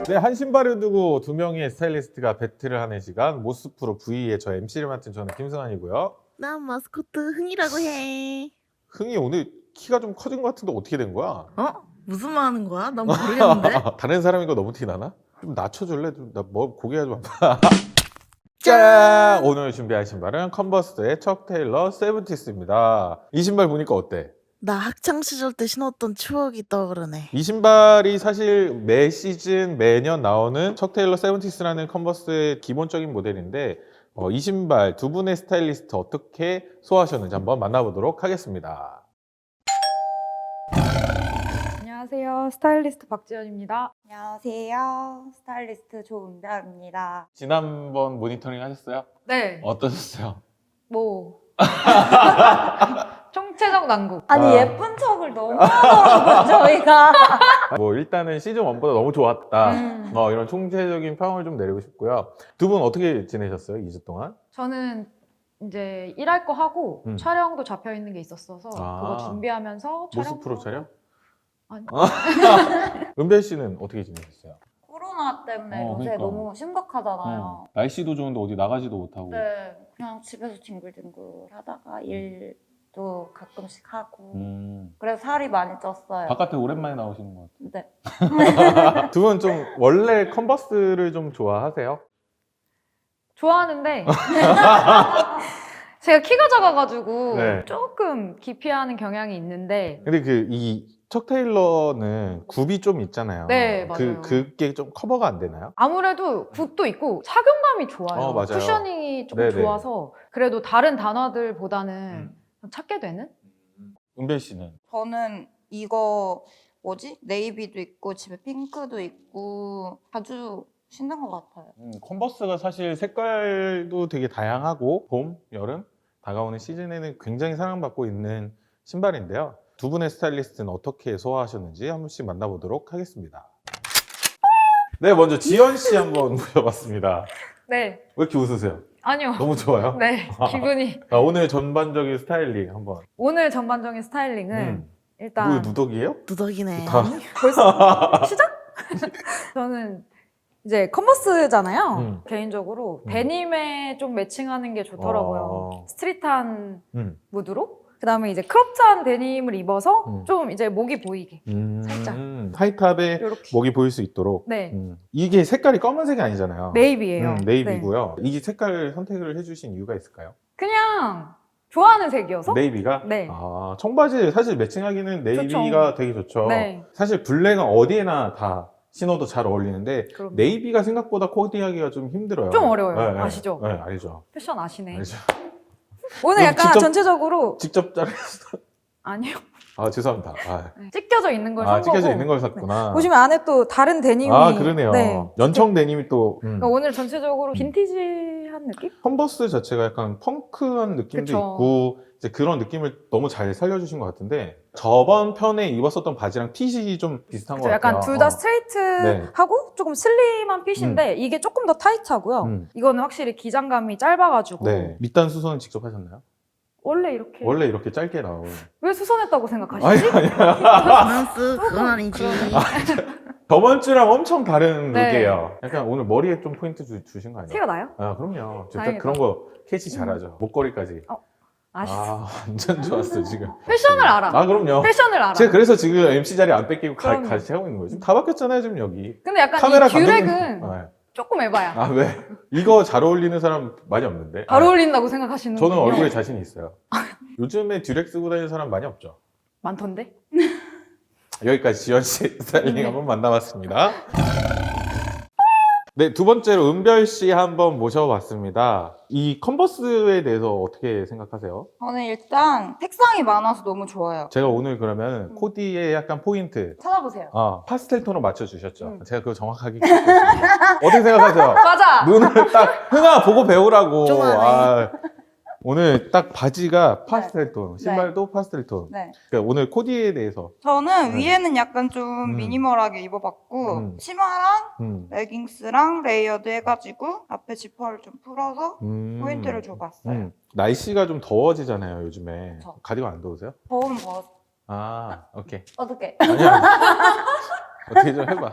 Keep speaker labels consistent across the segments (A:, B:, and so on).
A: 네, 한 신발을 두고 두 명의 스타일리스트가 배틀을 하는 시간 모스프로 V의 저 MC를 맡은 저는 김승환이고요.
B: 난 마스코트 흥이라고 해.
A: 흥이 오늘 키가 좀 커진 것 같은데 어떻게 된 거야?
B: 어? 무슨 말 하는 거야? 난 모르겠는데.
A: 다른 사람인 거 너무 티 나나? 좀 낮춰줄래? 나 뭐 고개가 좀 아파. 짠! 오늘 준비한 신발은 컨버스의 척 테일러 세븐티스입니다. 이 신발 보니까 어때?
B: 나 학창 시절 때 신었던 추억이 떠오르네.
A: 이 신발이 사실 매 시즌 매년 나오는 척 테일러 세븐티스라는 컨버스의 기본적인 모델인데 이 신발 두 분의 스타일리스트 어떻게 소화하셨는지 한번 만나보도록 하겠습니다.
C: 안녕하세요. 스타일리스트 박지연입니다.
D: 안녕하세요. 스타일리스트 조은별입니다.
A: 지난번 모니터링 하셨어요?
C: 네.
A: 어떠셨어요?
C: 뭐 총체적 난국.
D: 아니
A: 아.
D: 예쁜 척을 너무 하더라고요 저희가.
A: 뭐 일단은 시즌 1보다 너무 좋았다. 이런 총체적인 평을 좀 내리고 싶고요. 두 분 어떻게 지내셨어요? 2주 동안?
C: 저는 이제 일할 거 하고 촬영도 잡혀 있는 게 있었어서 그거 준비하면서
A: 모스프로
C: 촬영도
A: 촬영?
C: 아니.
A: 은별 씨는 어떻게 지내셨어요?
D: 코로나 때문에 요새
A: 그러니까.
D: 너무 심각하잖아요.
A: 날씨도 좋은데 어디 나가지도 못하고.
D: 네, 그냥 집에서 뒹굴뒹굴 하다가 일도 가끔씩 하고 그래서 살이 많이 쪘어요.
A: 바깥에 오랜만에 나오시는 것
D: 네.
A: 같아요. 두 분 좀 원래 컨버스를 좀 좋아하세요?
C: 좋아하는데 제가 키가 작아가지고
A: 네.
C: 조금 기피하는 경향이 있는데
A: 근데 이 척 테일러는 굽이 좀 있잖아요.
C: 네, 맞아요.
A: 그게 좀 커버가 안 되나요?
C: 아무래도 굽도 있고 착용감이 좋아요.
A: 맞아요.
C: 쿠셔닝이 조금
A: 네네.
C: 좋아서 그래도 다른 단어들보다는 찾게 되는?
A: 은별 씨는?
D: 저는 이거 뭐지? 네이비도 있고 집에 핑크도 있고 아주 신난 것 같아요.
A: 컨버스가 사실 색깔도 되게 다양하고 봄, 여름 다가오는 시즌에는 굉장히 사랑받고 있는 신발인데요. 두 분의 스타일리스트는 어떻게 소화하셨는지 한 분씩 만나보도록 하겠습니다. 네, 먼저 지연 씨 한번 모셔봤습니다.
C: 네.
A: 왜 이렇게 웃으세요?
C: 아니요.
A: 너무 좋아요?
C: 네. 기분이.
A: 오늘 전반적인 스타일링 한번.
C: 오늘 전반적인 스타일링은 일단
A: 뭐 누더기예요?
B: 누더기네.
A: 다.
C: 벌써 시작? 저는 이제 컨버스잖아요.
A: 음.
C: 개인적으로 데님에 좀 매칭하는 게 좋더라고요. 스트릿한 무드로. 그다음에 이제 크롭찬 데님을 입어서 좀 이제 목이 보이게 살짝
A: 하이탑에
C: 이렇게.
A: 목이 보일 수 있도록.
C: 네.
A: 이게 색깔이 검은색이 아니잖아요.
C: 네이비예요.
A: 네이비고요. 이 색깔 선택을 해주신 이유가 있을까요?
C: 그냥 좋아하는 색이어서.
A: 네이비가?
C: 네.
A: 청바지 사실 매칭하기는 네이비가 되게 좋죠.
C: 네.
A: 사실 블랙은 어디에나 다 신어도 잘 어울리는데
C: 그럼요.
A: 네이비가 생각보다 코디하기가 좀 힘들어요.
C: 좀 어려워요.
A: 네, 네.
C: 아시죠?
A: 네, 알죠.
C: 패션 아시네.
A: 알죠.
C: 오늘 약간
A: 직접-
C: 전체적으로
A: 직접 자르셨어.
C: 아니요.
A: 죄송합니다.
C: 찢겨져 있는 걸 산 거고.
A: 찢겨져 있는 걸 샀구나.
C: 보시면 안에 또 다른 데님이.
A: 그러네요.
C: 네.
A: 연청 데님이 또
C: 그러니까 오늘 전체적으로 빈티지한 느낌?
A: 컨버스 자체가 약간 펑크한 느낌도
C: 그쵸.
A: 있고 이제 그런 느낌을 너무 잘 살려주신 것 같은데 저번 편에 입었었던 바지랑 핏이 좀 비슷한 것
C: 그쵸,
A: 같아요.
C: 약간 둘 다 스트레이트하고 조금 슬림한 핏인데 이게 조금 더 타이트하고요. 이거는 확실히 기장감이 짧아가지고
A: 네. 밑단 수선은 직접 하셨나요?
C: 원래 이렇게.
A: 원래 이렇게 짧게 나오고.
C: 왜 수선했다고 생각하시지?
B: 프랑스 그건 아니지.
A: 저번 주랑 엄청 다른
C: 네.
A: 룩이에요. 약간 오늘 머리에 좀 포인트 주신 거 아니에요?
C: 티가 나요?
A: 그럼요. 진짜
C: 다행이다.
A: 그런 거 캐치 잘하죠. 목걸이까지.
C: 아시죠?
A: 완전 좋았어 지금.
C: 패션을 알아.
A: 그럼요.
C: 패션을 알아.
A: 제가 그래서 지금 MC 자리 안 뺏기고
C: 그럼요.
A: 같이 하고 있는 거예요. 지금 다 바뀌었잖아요 지금 여기.
C: 근데 약간
A: 카메라
C: 이 듀렉은
A: 감독님.
C: 조금 에바야.
A: 왜? 이거 잘 어울리는 사람 많이 없는데.
C: 잘 어울린다고 생각하시는
A: 저는
C: 분이요?
A: 얼굴에 자신이 있어요. 요즘에 듀렉 쓰고 다니는 사람 많이 없죠.
C: 많던데?
A: 여기까지 지연 씨 스타일링 한번 만나봤습니다. 네, 두 번째로 은별 씨 한번 모셔봤습니다. 이 컨버스에 대해서 어떻게 생각하세요?
D: 저는 일단 색상이 많아서 너무 좋아요.
A: 제가 오늘 그러면 코디의 약간 포인트
D: 찾아보세요.
A: 파스텔 톤으로 맞춰주셨죠? 제가 그거 정확하게 기억했습니다. 어떻게 생각하세요?
C: 맞아.
A: 눈을 딱 흥아 보고 배우라고.
B: 좀 하네.
A: 오늘 딱 바지가 파스텔 톤,
D: 네.
A: 신발도 파스텔 톤.
D: 네.
A: 그러니까 오늘 코디에 대해서
D: 저는
A: 네.
D: 위에는 약간 좀 미니멀하게 입어봤고 치마랑 레깅스랑 레이어드 해가지고 앞에 지퍼를 좀 풀어서 포인트를 줘봤어요.
A: 날씨가 좀 더워지잖아요 요즘에.
D: 그쵸.
A: 가디건 안 더우세요?
D: 더우면 더워서
A: 오케이.
D: 어떻게?
A: 아니야. 어떻게 좀 해봐.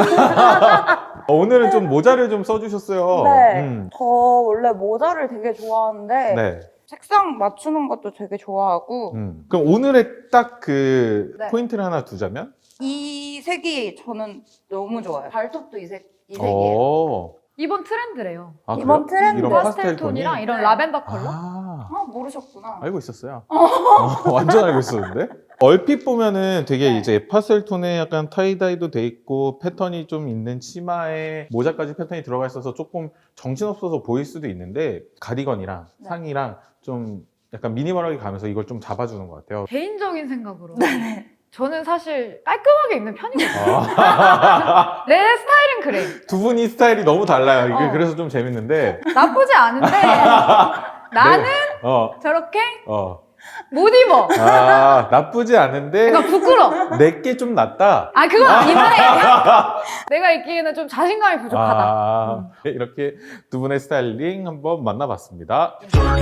A: 오늘은 좀 모자를 좀 써주셨어요.
D: 네. 저 원래 모자를 되게 좋아하는데
A: 네.
D: 색상 맞추는 것도 되게 좋아하고
A: 그럼 오늘의 딱 그
D: 네.
A: 포인트를 하나 두자면?
D: 이 색이 저는 너무 좋아요. 발톱도 이 색이에요.
A: 오.
C: 이번 트렌드래요.
A: 아,
D: 이번
A: 그래요?
D: 트렌드.
A: 이런
C: 파스텔 톤이랑
A: 톤이?
C: 이런
D: 네.
C: 라벤더 컬러.
A: 아,
D: 모르셨구나.
A: 알고 있었어요. 완전 알고 있었는데? 얼핏 보면은 되게
D: 네.
A: 이제 파스텔 톤에 약간 타이다이도 돼 있고 패턴이 좀 있는 치마에 모자까지 패턴이 들어가 있어서 조금 정신없어서 보일 수도 있는데 가디건이랑
D: 네.
A: 상의랑 좀 약간 미니멀하게 가면서 이걸 좀 잡아주는 것 같아요.
C: 개인적인 생각으로.
D: 네.
C: 저는 사실 깔끔하게 입는 편이거든요.
A: 아.
C: 내 스타일은 그래.
A: 두 분이 스타일이 너무 달라요. 이게
C: 어.
A: 그래서 좀 재밌는데.
C: 나쁘지 않은데 나는
A: 어,
C: 저렇게
A: 어.
C: 못 입어.
A: 아, 나쁘지 않은데
C: 그러니까 부끄러워.
A: 내게 좀 낫다.
C: 아 그건 아닌데 내가 입기에는 좀 자신감이 부족하다.
A: 아, 이렇게 두 분의 스타일링 한번 만나봤습니다.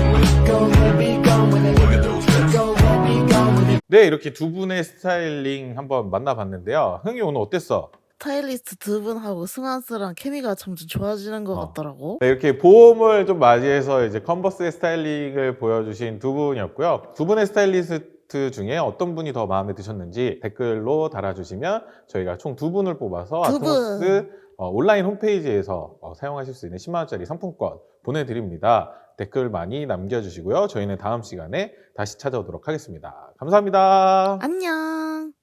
A: 네, 이렇게 두 분의 스타일링 한번 만나봤는데요. 흥이 오늘 어땠어?
B: 스타일리스트 두 분하고 승환스랑 케미가 점점 좋아지는 것
A: 어.
B: 같더라고.
A: 네, 이렇게 봄을 좀 맞이해서 이제 컨버스의 스타일링을 보여주신 두 분이었고요. 두 분의 스타일리스트 중에 어떤 분이 더 마음에 드셨는지 댓글로 달아주시면 저희가 총 두 분을 뽑아서
B: 두 분.
A: 아트모스 온라인 홈페이지에서 사용하실 수 있는 10만원짜리 상품권 보내드립니다. 댓글 많이 남겨주시고요. 저희는 다음 시간에 다시 찾아오도록 하겠습니다. 감사합니다.
B: 안녕.